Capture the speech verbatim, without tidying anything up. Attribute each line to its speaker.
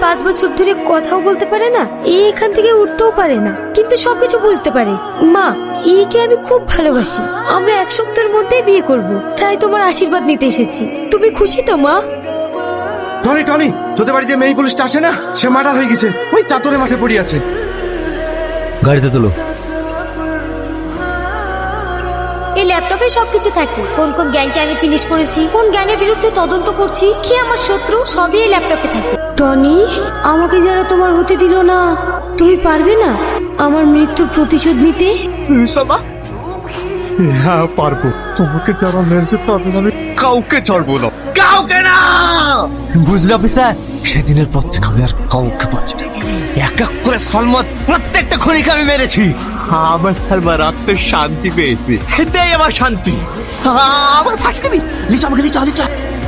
Speaker 1: পাঁচ বছর ধরে কথাও বলতে পারে না, এখান থেকে উঠতেও পারে না, কিন্তু সবকিছু বুঝতে পারে। মা, একে আমি খুব ভালোবাসি। আমরা এক সপ্তাহের মধ্যেই বিয়ে করব, তাই তোমার আশীর্বাদ নিতে এসেছি। তুমি খুশি তো মা?
Speaker 2: টনি টনি তোদের বাড়ি যে মেয়ে পুলিশটা আসে না, সে মার্ডার হয়ে গেছে, ওই চাতরে মাঠে পড়ে আছে।
Speaker 3: গাড়িতে তোলো।
Speaker 1: এই ল্যাপটপে সবকিছু থাকে, কোন কোন জ্ঞানকে আমি ফিনিশ করেছি, কোন জ্ঞানের বিরুদ্ধে তদন্ত করছি, কি আমার শত্রু, সবই এই ল্যাপটপে থাকে। টনি, আমাকে যারা তোমার হতে দিল না, তুমি পারবে না আমার মৃত্যুর প্রতিশোধ নিতে?
Speaker 4: হ্যাঁ পারবো। তোমাকে যারা মেরেছে তাদের আমি কাউকে ছাড়বো না, কাউকে না।
Speaker 3: বুঝলি অফিসার, সেদিনের পর থেকে আমি আর কাউকে পাচ্ছি না। এক এক করে সলমত প্রত্যেকটা খনিকে আমি মেরেছি।
Speaker 4: আমার সালমার আত্মে শান্তি পেয়েছি, এটাই আমার শান্তি।
Speaker 3: আমার ফাঁসি দিবি? লিচা আমাকে লিচা লিচা